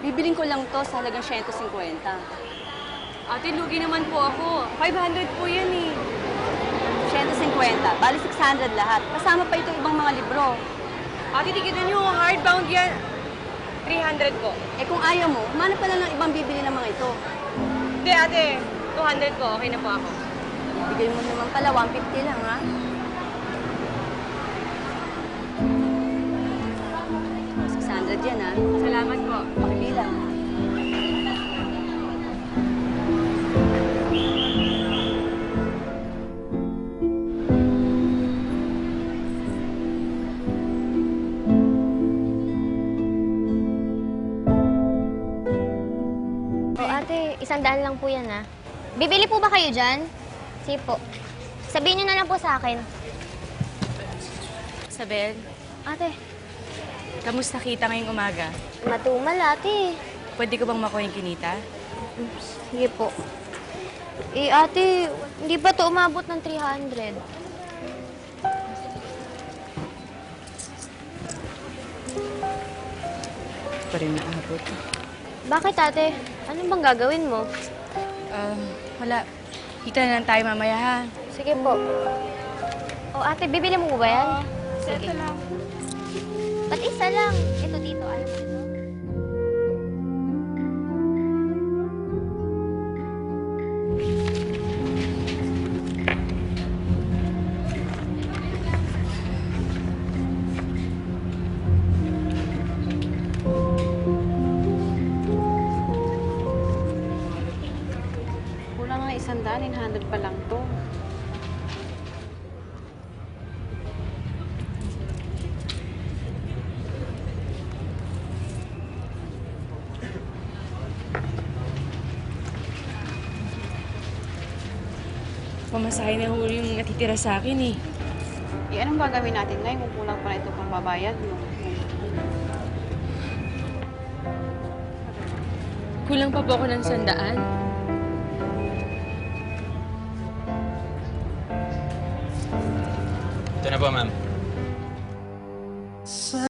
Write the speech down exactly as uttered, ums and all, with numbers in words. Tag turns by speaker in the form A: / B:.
A: Bibiling ko lang to sa halagang one hundred fifty.
B: Ate, lugi naman po ako. five hundred po yan eh.
A: one hundred fifty. Bali six hundred lahat. Kasama pa itong ibang mga libro.
B: Ate, tigitan niyo, hardbound yan. three hundred po.
A: Eh kung ayaw mo, humanap ka lang ng ibang bibili ng mga ito.
B: Hindi, ate. two hundred po. Okay na po ako.
A: Bigay mo naman pala, one hundred fifty lang, ha? six hundred yan, ha?
B: Salamat po.
A: Pakibilang.
C: O ate, isang daan lang po yan ha. Bibili po ba kayo dyan? Sige po. Sabihin niyo na lang po sa akin.
B: Isabel,
C: Ate,
B: kamusta kita ngayong umaga?
C: matumal ate.
B: Pwede ko bang makuha yung kinita?
C: Sige po. Eh ate, hindi ba to umabot ng three hundred?
B: Pa rin naabot.
C: Bakit ate? Ano bang gagawin mo?
B: Ah, wala. Kita na lang tayo mamaya, ha?
C: Sige po. O ate, bibili mo ba yan? Sige.
B: lang.
C: Ba't isa lang? Ito dito, alam mo ito?
A: Kulang nga isang daan, nine hundred pa lang to.
B: Pamasahe na huli yung natitira sa akin, eh.
A: Eh, anong gagawin natin ngayon kung kulang pa na ito pang babayad mo?
B: Kulang pa po ako ng sandaan.
D: Ito na po, ma'am.